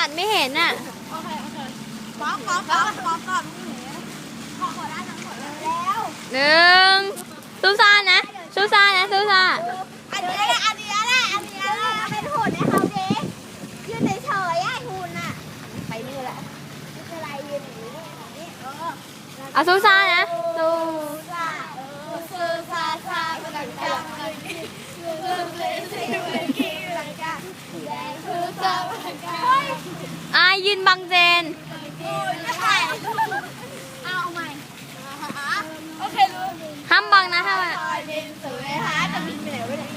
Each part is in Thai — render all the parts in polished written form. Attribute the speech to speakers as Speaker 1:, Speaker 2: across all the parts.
Speaker 1: ตัดไม่เห็นอ่ะ
Speaker 2: โอเคป๊อกก่อนขอได้ทั้งหมดแล้ว
Speaker 1: หนึ่งซูซ่านะซูซ่านะซูซ่า
Speaker 2: อันนี้แหละเป็นหุ่นให้เขาดิยืนเฉยๆหุ่นอ่ะไปนี่แหละอะไรยืนอย่างนี้
Speaker 1: เอาซูซ่านะซูยืนบังเจน
Speaker 2: เอาใหม่โอเครู้
Speaker 1: ห้ามบังนะห้ามบัง
Speaker 2: สวยฮะจะบินไปไหนวะเนี่ย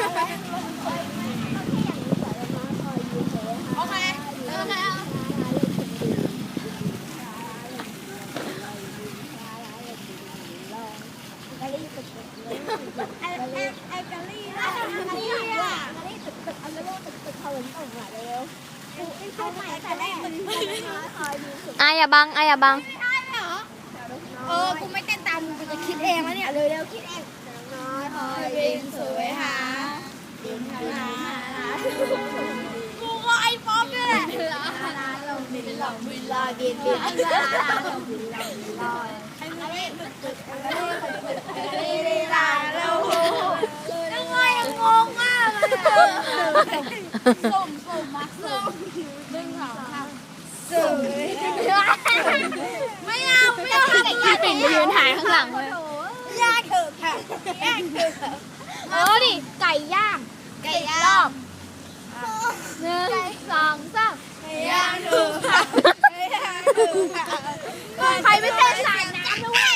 Speaker 2: โอเคไอ้กะลี่ตึกอันนี้ตึกเขาเหมือนออกมาเร็วเข้าใหม่แต่แรก
Speaker 1: อย่าบังอย่าบัง
Speaker 2: กูไม่เต้นตามมึงกูจะคิดเองแล้วเนี่ยเร็วคิดเองน้อยคอยบินสวยหาบินหากูก็ไอ้ป๊อปนี่แหละลงบินลอยบินลอยอันนี้ตึกลาแล้วยังไงงงมากส่งมาส่งดึงเขาสวยไม่เอา
Speaker 1: พี่ปิ่นไปยืนถ่ายข้างหลังเลย
Speaker 2: ย่างเถอะค่ะดิไก่ย่างรอบ
Speaker 1: 1 2 3
Speaker 2: ย่างเถอะค่ะใครไม่เต้นสายน้ำด้วย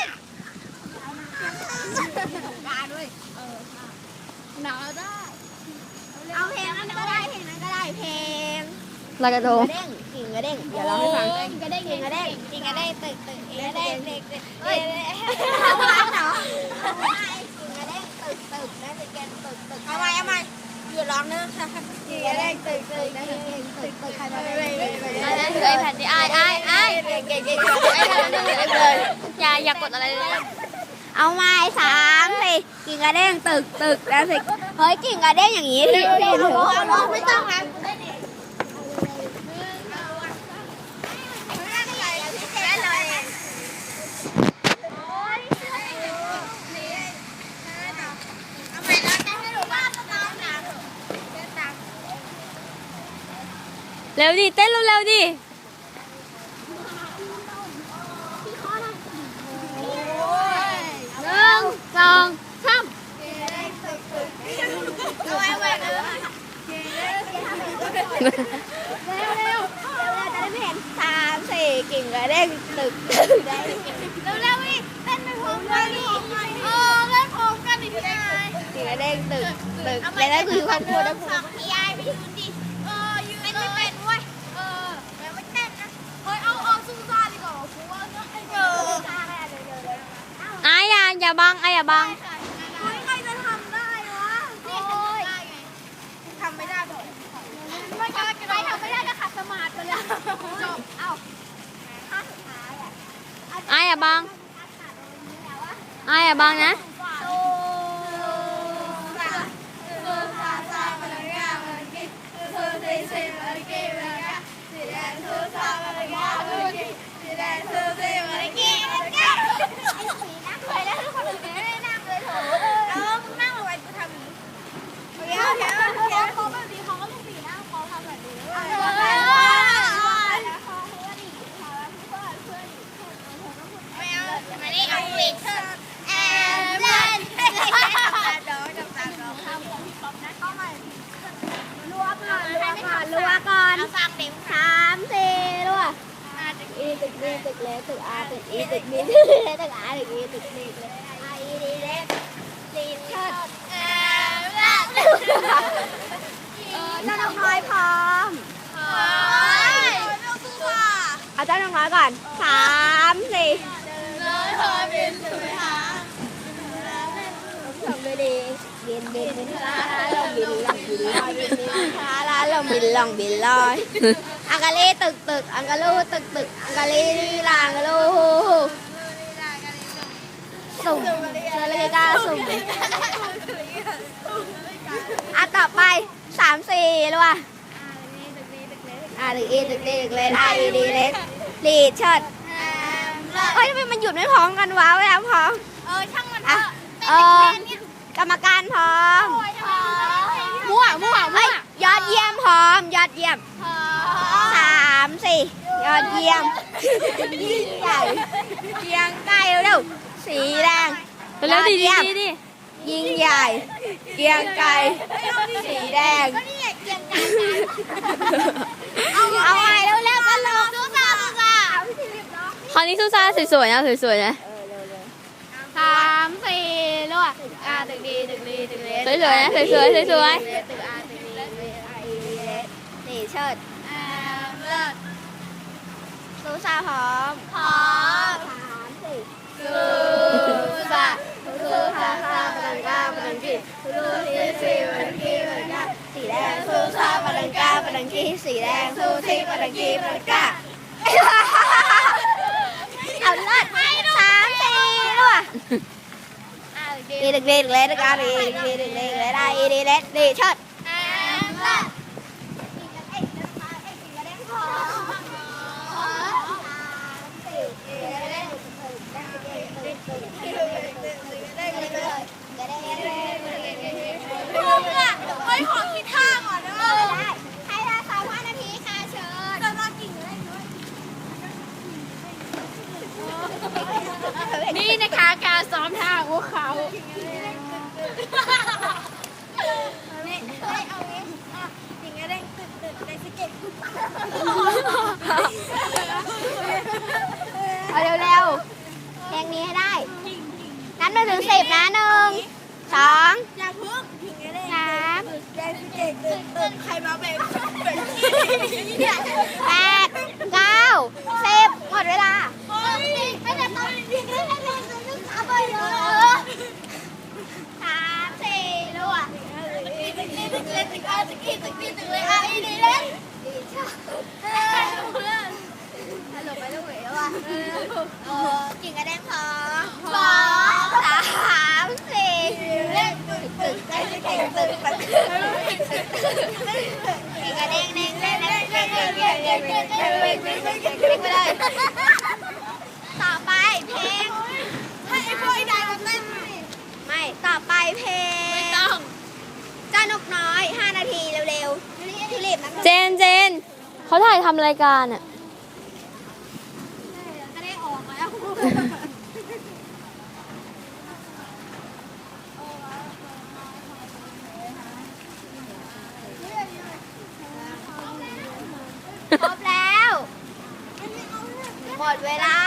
Speaker 2: การด้วยหนาวได้เอาเพลงนั้นก็ได้เพลง
Speaker 1: ลอยกระทง
Speaker 2: กิ่งกระเด้งเดี๋ยวเราให้ฟังกิ่งกระเด้งตึกกิ่งกระเด้งเฮ้ยทำร้านเหรอกิ่งกระเด้งตึกนะจะแกนตึกเอาใหม่อยู่ร้องเนื้อกิ่งกระเด้งตึกนะตึกใครมา
Speaker 1: อะไรถือไอแพดดิไอ
Speaker 2: เก่ง
Speaker 1: เลยอย่ากดอะไรเลย
Speaker 2: เอาไม้3สิกิ่งกระเด้งตึกนะสิเฮ้ยกิ่งกระเด้งอย่างนี้ที่เอาไม่ต้องนะ
Speaker 1: เร็วดิเต้นเร็วดิ1 2 3
Speaker 2: กิ่งกระเด้งตึกได้เร็วอีกเต้นไปพร้อมกันดิเล่นพร้อมกันดิพี่นายกิ่งกระเด้งตึกแล้วนั่นคือความกลัวนะผมพี่ยายไปยืนดิยืนไม่เป็นเว้ยแล้วไม่เต้นนะเฮ้ยเอาซูซ่าดีกว่ากูว่า
Speaker 1: อย่าบังอย่าบัง
Speaker 2: เฮ้ยใครจะทำได้วะนี่ฉันทำได้ไงทำไม่ได้บอกไม่ใครทำไม่ได้ก็ขัดสมาธิเลยจบ
Speaker 1: อย่าบังอย่าบังนะ
Speaker 2: รัวก่อน3 4รัวอีตึกนี้ตึกเล็กตึกอาตึกอีตึกนี้ตึกอาตึกอีตึกนี้เลยอีดีเล็กตีนเชิดเจ้าน้องน้อยพร้อมเอาเจ้าน้องน้อยก่อน3 4น้อยพอเป็นสวยหาทำไปดีบินลองบินลองบินลอยอังกาลีตึกอังกาลูตึกอังกาลีลางกาลูสุ่มเลยกาสุ่มต่อไป3 4เลยว่ะถึง E ถึง D ถึงเลน I E D เลนลีดเชิดเฮ้ยทำไมมันหยุดไม่พร้อมกันวะเวลาพร้อม
Speaker 1: ช่างมัน
Speaker 2: อ่ะ
Speaker 1: เต้นอีกแค่นี้
Speaker 2: กรรมการพร้อม
Speaker 1: มั่ว
Speaker 2: เฮ้ยยอดเยี่ยมพร้อมยอดเยี่ยม3 4ยอดเยี่ยมยิ่งใหญ่เกียงไก่เร็วสีแดง
Speaker 3: แล้วดี
Speaker 2: ยอ
Speaker 3: ดี
Speaker 2: เยี่ยม
Speaker 3: ดี
Speaker 2: ยิ่งใหญ่เกียงไก่สีแดง
Speaker 1: ก็นี่ไงเกียงไก่
Speaker 2: เอาใหม่เร็วๆกันเลย
Speaker 1: สู้ซ่า
Speaker 3: คราวนี้ซูซ่าสวยๆนะสวยๆนะ
Speaker 1: 3 4รวดตึกดีตึกดีตึกเล็ก
Speaker 3: สวยๆนะสวยๆสวย
Speaker 1: ตึกอาตึกดีตึกเล็ก
Speaker 2: นี่เชิด
Speaker 1: เลิศ
Speaker 2: ซูซาพร้อม
Speaker 1: พร้อม
Speaker 2: 3 4
Speaker 1: สู้ซ่าสู้ซ่าปลังกาปลังกีสู้ที่สี่ปลังกีปลังกา
Speaker 2: สีแดงซูซาปาลังกาปาลังกีสีแดงซูซีปาลังกีปาลังกาเอาเลิศ3 4ด้วยดีเด็กเล็กเล็กเด็กอาดีเด็กเล็กเล็กเล็กได้ดีเล็กดีเชิด
Speaker 1: เลิศ เฮ้ยขอคิดท่าก่อนนะ
Speaker 2: ให้เรา3 นาทีค่ะเชิญ
Speaker 1: จะรอกิ่งอะไรด้วยนี่นะคะการซ้อมท่าของเขา
Speaker 2: เอาเร็วๆเพลงนี้ให้ได้นับ1 ถึง 10นะ1 2
Speaker 1: อย่าพึ่งถึงจะได้
Speaker 2: 3
Speaker 1: แดงเก่งตื่นใครมาเป็นเนี่ย
Speaker 2: 8 9 10หมดเวลา
Speaker 1: เฮ้ยไม่ได้ตอนนี้ได้เอาไปเลย
Speaker 2: 3 4รัว
Speaker 1: ตึกนี้ตึกเล็กตึกอาตึกนี้ตึกนี้ตึกเล็กอ่ะอีนี่เล็ก
Speaker 2: หลบไปลูกเหวว่ะกิ่งกระแดงพอ
Speaker 1: สอง
Speaker 2: 3 4
Speaker 1: เล็กตึกตึกได้เก่งตึกตึก
Speaker 2: กิ่งกระแดงแดงแดงแดงแดงแดงแดงแดงแดงแดงแดงไปเลยต่อไปเพลง
Speaker 1: ให้ไอ้พวกไอ้นายมาเต้น
Speaker 2: ไม่ต่อไปเพลง
Speaker 1: ไม่ต้อง
Speaker 2: เจ้านกน้อย5 นาทีเร็วๆทิลิปนะ
Speaker 3: ๆเจนเขาถ่ายทำรายการอ่ะ
Speaker 1: จะได้ออกแล้ว
Speaker 2: ครบแล้วหมดเวลา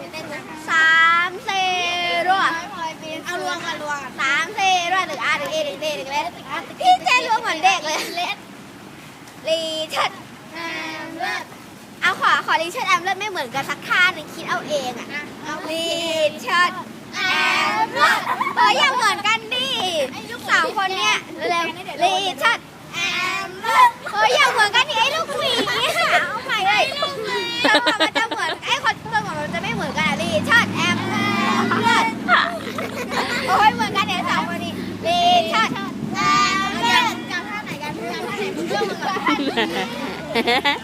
Speaker 2: 3 4รัว
Speaker 1: เอารวมกันรวม
Speaker 2: 3 4รัวตึกอาตึกเอตึกเดตึกเลสพี่เจนรวมเหมือนเด็กเลยลีเชิด
Speaker 1: เลิศ
Speaker 2: เอาขอลีเชิดแอมเลิศไม่เหมือนกันสักท่าหนึ่งคิดเอาเองอ่ะลีเชิดแอมเลิศอย่าเหมือนกันดิ3 คนเนี่ยเร็วลีเชิด
Speaker 1: แอมเลิศ
Speaker 2: อย่าเหมือนกันดิไอ้ลูกหวีค่ะเอาใหม่เลยมันจะเหมือนไอ้คนตัวของเราจะไม่เหมือนกันลีเชิดแอมเลิศโอ้ยเหมือนกันเนี่ย2 คนนี้ลีเชิดแอมเลิศ
Speaker 1: จำท่าไหนกันจำท่าไหนมึงเลือกมึงก่อน